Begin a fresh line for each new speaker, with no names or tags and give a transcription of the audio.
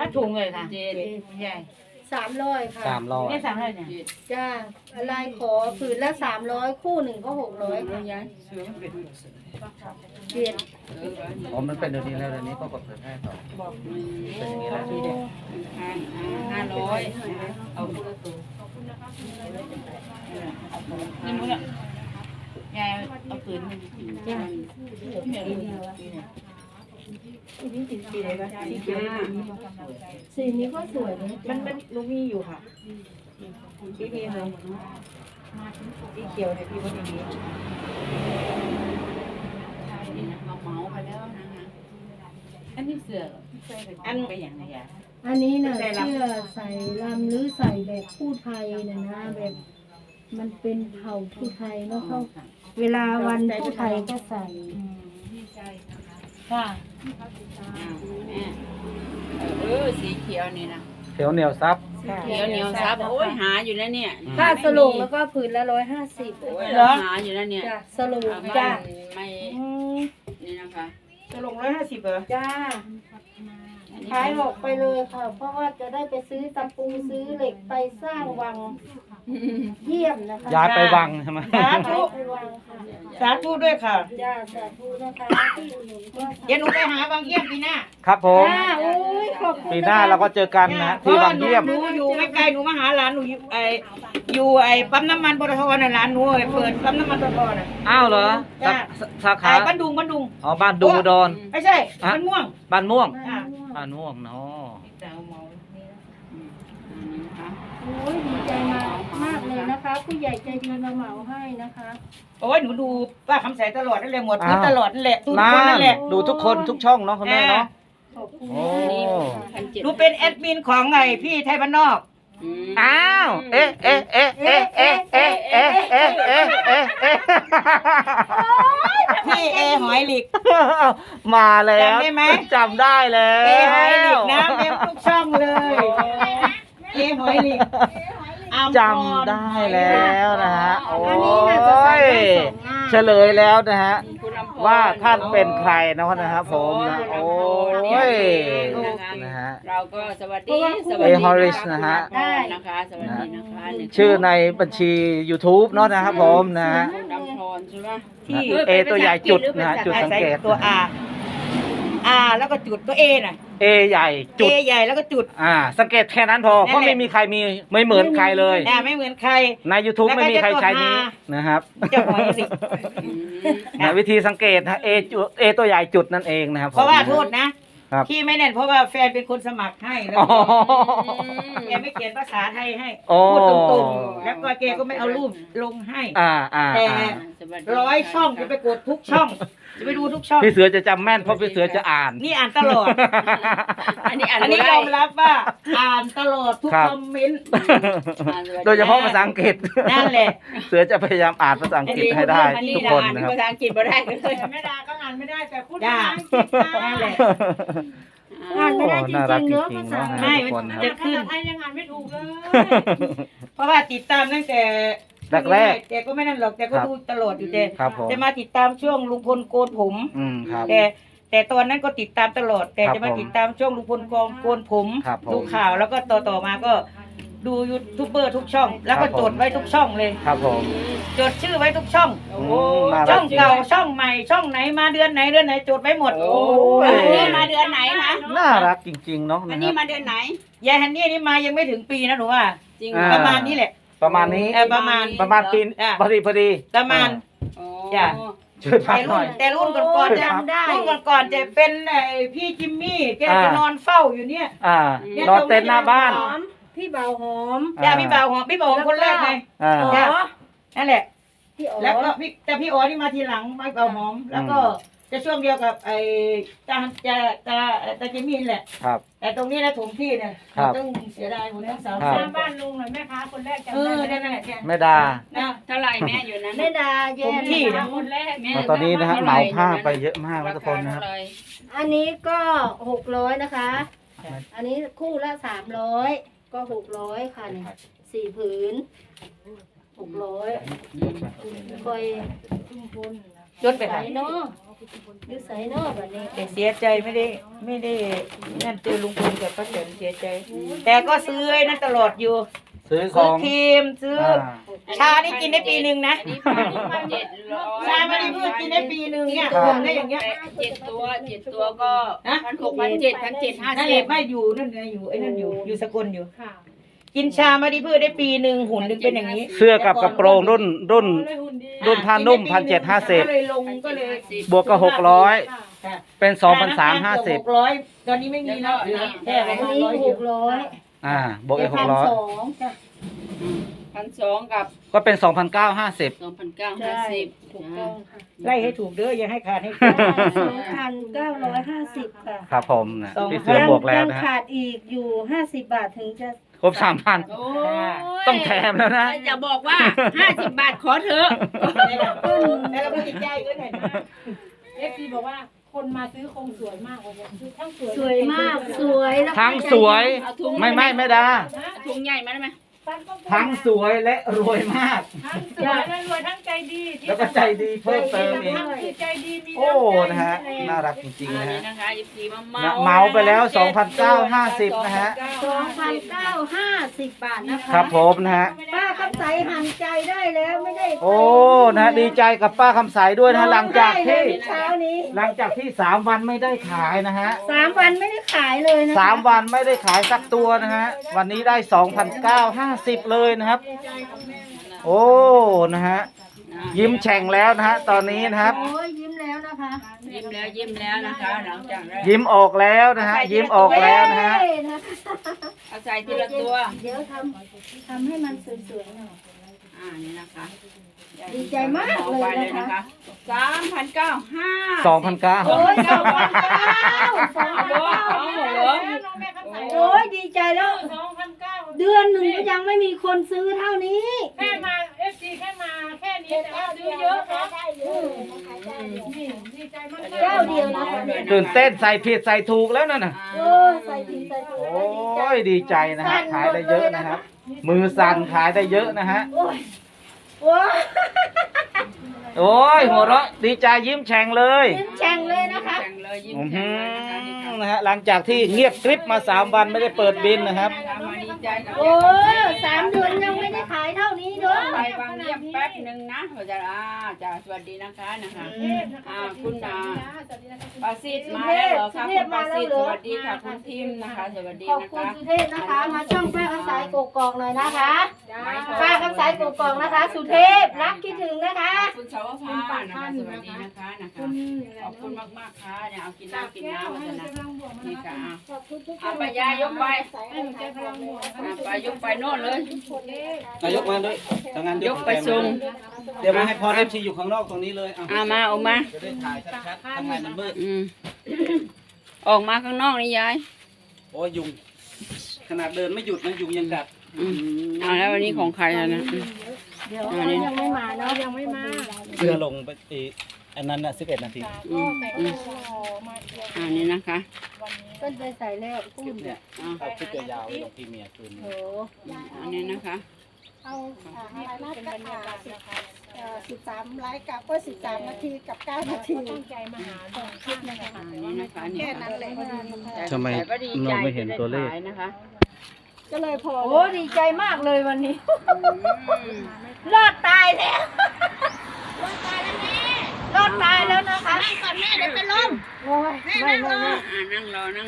ถุงเลยค่ะใหญ่
300ค่ะ
300
นี่300เนี่ย
จ้าลายขอผืนละ300คู่หนึ่งก็600ค่ะเปลี่ยน
อ๋อมันเป็นเดี๋ยวนี้แล้วเดี๋ยวนี้ก็กดเผยแพร่ต่อเป็นอย่างนี้แล้ว
500เอาคู่ละตัวนี่มึงอ่ะยายเอาปืนจ้า
สีนี้ก็สวยเลย
มันลูกมีอยู่ค่ะพี่เลยสีเขียวเนี่ยพี่ว่าอย่างนี้
เมาไปแล้วนะคะอันนี้เสืออันไปอย่างไรอ่ะ
อันนี้น่ะเสื้อใส่ลำหรือใส่แบบผู้ไทยนะแบบมันเป็นเผ่าผู้ไทยเนาะเขาเวลาวันผู้ไทยก็ใส่
ค่ะสีเขียวนี่นะ
เขียวเหนียวซับ
เขียวเหนียวซับโอ้ยหาอยู่นะเนี่ย
ผ้าสลงแล้วก็ผืนละ150
เหรอหาอยู่นะเนี่ย
จ้ะสลงจ้ะ
ไม่นี่นะคะ
จะลง150เหรอ
จ้าขายออกไปเลยค่ะเพราะว่าจะได้ไปซื้อตะปูซื้อเหล็กไปสร้างวังเยี่ยมนะคะ
ย้ายไปวังใช่ไหม
สาธุสาธุด้วยค่ะ
จ้าสาธุนะคะที่อุดหนุนก็
เดี๋ยวหนูไปหาบางเยี่ยมปีหน้า
ครับผมปีหน้าเราก็เจอกันนะที่บางเยี่ยม
หนูอยู่ไม่ไกลหนูมาหาหลานหนูอยู่ปั๊มน้ำมันปตทน่ะหลานหนูเปิดปั๊มน้ำมันปตทน่ะ
อ้าวเหรอสาขา
บ้านดุง
อ๋อบ้านดุงอุดร
ไม่ใช่บ้านม่วง
บ้านม่วง
เนาะ
โอ้ยดีใจมากเลยนะคะผู้ใหญ่ใจดีมาเหมาให้นะคะ
โอ้ยหนูดูป้าคำใสตลอดนั่นแหละหมดพื้นตลอดนั่นแหละทุกคนนั่นแหละ
ดูทุกคนทุกช่องเนาะคุณแม่เนาะ
โอ้
หนูเป็นแอดมินของไงพี่ไทยบ้านนอก
อ้าว
พี่หอยหลิก
มาแล้ว
จำได้ไหม
จำได้แล้ว
หอยหลิกนะเต็มทุกช่องเลยหอยหลิก
จำได้แล้วนะฮะโอ้ยเฉลยแล้วนะฮะว่าท่านเป็นใครนะครับผมนะโอ้ยนะฮะ
เราก็สวัสดี
ฮอริสนะฮะ
นะคะสวัสดีนะคะ
ชื่อในบัญชี YouTube เนาะนะครับผมนะฮะ
ที่
เอตัวใหญ่จุดนะจุดสังเกต
ตัว R แล้วก็จุดตัว A น่ะ
A ใหญ่จุด
A ใหญ่แล้วก็จุด
สังเกตแค่นั้นพอเพราะไม่มีใครมีไม่เหมือนใครเลย
ไม่เหมือนใคร
ใน YouTube ไม่มีใครใช้นี้นะครับวิธีสังเกตนะ A ตัวใหญ่จุดนั่นเองนะครับ
เพราะว่าโทษนะที่ไม่แน่นเพราะว่าแฟนเป็นคนสมัครให้แล้วแกไม่เขียนภาษาไทยให้พูดตรงๆแล้วก็แกก็ไม่เอารูปลงให้แต่100 ช่องจะไปกดทุกช่องจะไปดูทุกช่อง
พี่เสือจะจำแม่นเพราะพี่เสือจะอ่าน
นี่อ่านตลอดอันนี้ยอมรับว่าอ่านตลอดทุกคอมเมนต์
โดยเฉพาะภาษาอังกฤษ
นั่นแหละ
เสือจะพยายามอ่านภาษาอังกฤษให้ได้ทุกคนนะครับ
ภาษาอังกฤษไม่ได้เลย
ไม่ได้ก็อ่านไม่ได้แต่พูดภาษาอังกฤษนั่นแหละ
อ่านไม่ได้จริงๆเนอะภาษา
ไม่จะขึ้น
ไทยยังอ่านไม่ถูกเลย
เพราะว่าติดตามตั้งแต่
แรก
แต่ก็ไม่นั่นหรอกแต่ก็ดูตลอดอยู่แต่มาติดตามช่วงลุงพลโกนผมแต่ตอนนั้นก็ติดตามตลอดแต่จะมาติดตามช่วงลุงพลโกนผมดูข่าวแล้วก็ต่อมาก็ดูยูทูบเบอร์ทุกช่องแล้วก็จดไว้ทุกช่องเลย
ครับผม
จดชื่อไว้ทุกช่องช่องเก่าช่องใหม่ช่องไหนมาเดือนไหนจดไว้หมด
นี่มาเดือนไหนคะ
น่ารักจริงๆเนาะ
อันนี้มาเดือนไหน
ยายฮันนี่นี่มายังไม่ถึงปีนะหนูว่า
จริง
ประมาณนี้แหละ
ประมาณนี้
ประมาณ
ปีพอดี
ประมาณจ้ะ
ช่วยพักหน่อย
แต่รุ่นก่อนจะจะเป็นพี่จิมมี่แกจะนอนเฝ้าอยู่เนี่ย
นอนเต็นท์หน้าบ้าน
พี่เบาหอม
พี่เบาหอมคนแรกไงนั่นแหละแล้วก็แต่พี่อ๋อนี่มาทีหลังพี่เบาหอมแล้วก็จะช่วงเดียวกับตาจิมมี่แหละแต่ตรงนี้นะถมที่เนี่ยต้องเสียดายคนทั้งสาว
บ้านลุงหน่อยแม่ค้าคนแรกจำ
ได้นั่นแหละ
แม่ดา
เท่าไหร่แม่อยู่นั้น
แม่ดา
ถมที่
คนแรก
ตอนนี้นะฮะเหมาผ้าไปเยอะมากทุกคนนะครับ
อันนี้ก็600นะคะอันนี้คู่ละ300ก็600ค่ะเนี่ย4 ผืน600คอยทุ่มพ้น
จดไป
ใส่
ค่ะ
เนาะหรือใส่เนาะแบบนี้
แต่เสียใจไม่ได้นั่นเจอลุงพลกับป้าแตนเสียใจ แต่ก็ซื้อไอ้นั่นตลอดอยู่
ซื้อข
ซื้
อ
อง ครีมซื้อชานี่กินได้ปีหนึ่งนะ
700
ชาไม่ได้เพื่อกินได้ปีหนึ่งเนี่ย
ครับ
ทำได้อย่างเงี้ย
7 ตัวก็1,600 1,700
นั่นแหละไม่อยู่นั่นไงอยู่ไอ้นั่นอยู่สกลอยู่กินชามาดีเพื่อได้ปีหนึ่งหุ่นหนึ่งเป็นอย่างนี้
เสื้อกับกระโปรงรุ่นผ้านุ่ม1,750
ก็เลยลงก็เลย
บวกกับ600
ค่ะ
เป็น
600
2,350
ตอนนี้ไม่มีแล้วเหลือแค่
อัน
600
นี้
เดียว
600
บวกอีก
1,200
600
จ้ะ
1,200กับ
ก็เป็น 2,950
ใช่
2,950
ถูกต้องค่ะ
ไล่ให้ถูกเด้ออย่าให้ขาดให้
2,950 ค่ะ
ครับผมนะพี่เสือบวกแล้ว
ยัง
นะฮะ
ขาดอีกอยู่50 บาทถึงจะ
ครบ 3,000
โอ้ย
ต้องแถมแล้วนะ
จะบอกว่า 50 บาทขอเถอะ
แล้วเราก็ติดใจก็หน่อยนะ
FC บอกว่าคนมาซื้อคงสวยมากเลยคือทั้งสวย
สวยมากสวยแล้วก็
ทั้งสวย
เอาถุง
ไม่ได้
ถุงใหญ่มาได้ไหม
ทั้งสวยและรวยมาก
ทั้งสวยและรวยทั้งใจดี
แล้วก็ใจดีเพิ่มเติมอีก
ทั้งคือใจดีมี
โอ้
น้ำใจ
นะฮะ น่ารักจริงๆ
อั
นะ
นนี้
ฮะ
นะคะ14มา
นะ
เมา
เมาไปแล้ว 2,950 นะฮะ
2,950 บาทนะคะ
ครับผมนะฮะ
ป้าคำใสหันใจได้แล้วไม่ได้
โอ้ นะฮะดีใจกับป้าคำใสด้วยนะฮะหลังจากที่
เช้านี้
3 วันไม่ได้ขายนะฮะ
3 วันไม่ได้ขายเลยนะคะ
3 วันไม่ได้ขายสักตัวนะฮะ วันนี้ได้ 2,950 เลยนะครับ โอ้ นะฮะ ยิ้มแฉ่งแล้วนะฮะ ตอนนี้นะครับ
โอ้ยยิ้มแล้วนะคะ
ยิ้มแล้วนะคะหลังจากได้
ยิ้มออกแล้วนะฮะ ยิ้มออกแล้วนะฮะ
เย้นะคะ
เอาใส่ทีละตัว
เดี๋ยวทำให้มันสวยๆหน่อย
นี่นะคะ
ดีใจมากเลยนะคะ
3,950
2,900
โอ้ย2,900 โอ้ยดีใจแล้ว
2,900
เดือนหนึ่งก็ยังไม่มีคนซื้อเท่านี้
แค่มา FC แค่มาแค่นี้แต่ว่าซื้อเยอะเนาะนี่ดีใจมากๆ
เจ้าเดียวนะคะ
ตื่นเต้นใส่ผิดใส่ถูกแล้วนั่นน่ะ
โอ้ยใส่ผิดใส่ถูก
โอ้ยดีใจนะฮะ ขายได้เยอะนะครับ มือสั่นขายได้เยอะนะฮะ
โอ้ยโอ้ย
โอ้ยหัวเราะดีใจยิ้มแฉ่งเลย
ยิ้มแฉ่งเลยนะคะ
แข่งเลยยิ้ม
อื้อ
แข่
หื
งเลยนะคะนี่ค่ะ
อนะฮะหลังจากที่เงียบกริบมา3 วันไม่ได้เปิดบินนะครับ
มาดีใจกับ
โอ้ย3 เดือนยังไม่ได้ขายเท่านี้เด้อ
ไปฟังเงียบแป๊บหนึ่งนะเราจะจ้าสวัสดีนะคะคุณปาซิดมาแล้วเหรอคะคุณปาซิดสวัสดีค่ะคุณทิมนะคะสวัสดี
ขอบ
นะ
คุณ
คะ
สุเทพนะคะ มาช่องป้าคำสายกกอกหน่อยนะคะ ป้าคำสายกกอกนะคะ สุเทพรักคิดถึงนะคะ
คุณสาวพานะคะสวัสดีนะคะขอบคุณมากๆค่ะเนี่ยเอากินน้ำมาจะนะนี่ค่ะเอาไปยายกไปไปยกไปโน่นเลย
นายกมาด้วยทางงาน
ยกไปส่ง
เดี๋ยวมาให้พอเอฟซีอยู่ข้างนอกตรงนี้เลยเอา
มาออกมา
จะได้ถ่ายชัดๆทางงานมันมืด
ออกมาข้างนอกนี่ยาย
โอ้ยยุงขนาดเดินไม่หยุดนะยุงยังกัด
เอาแล้ววันนี้ของใครอะนะ
เดี๋ยวยังไม่มาเนาะยังไม่มา
เรือลงไปอีกอันนั้นน่ะ11 นาที
อันนี้นะคะ
เพิ่นไปใส่แล้วพูด
เนี่ยเอาคลิปยาวๆไว้ลงพรีเมียร์คืนนี้
โอ้
อันนี้นะคะ
เอาอะไรนะ13ไลค์กับก็13 นาทีกับ 9 นาที
คลิปนะคะ
อันนี้นะคะนี่
แค่นั้นเลย
ทำไม
แต่ก็ดีใจ
เราไม่เห็นตัวเลข
ที่ได้ขายนะคะ
ก็เลยพอ
โหดีใจมากเลยวันนี้ รอดตายแล้ว รอดตายแล้วนะคะ
ก่อนแม่เดี๋ยวเป็นลม
โอ้ยไม่
นั่งรอ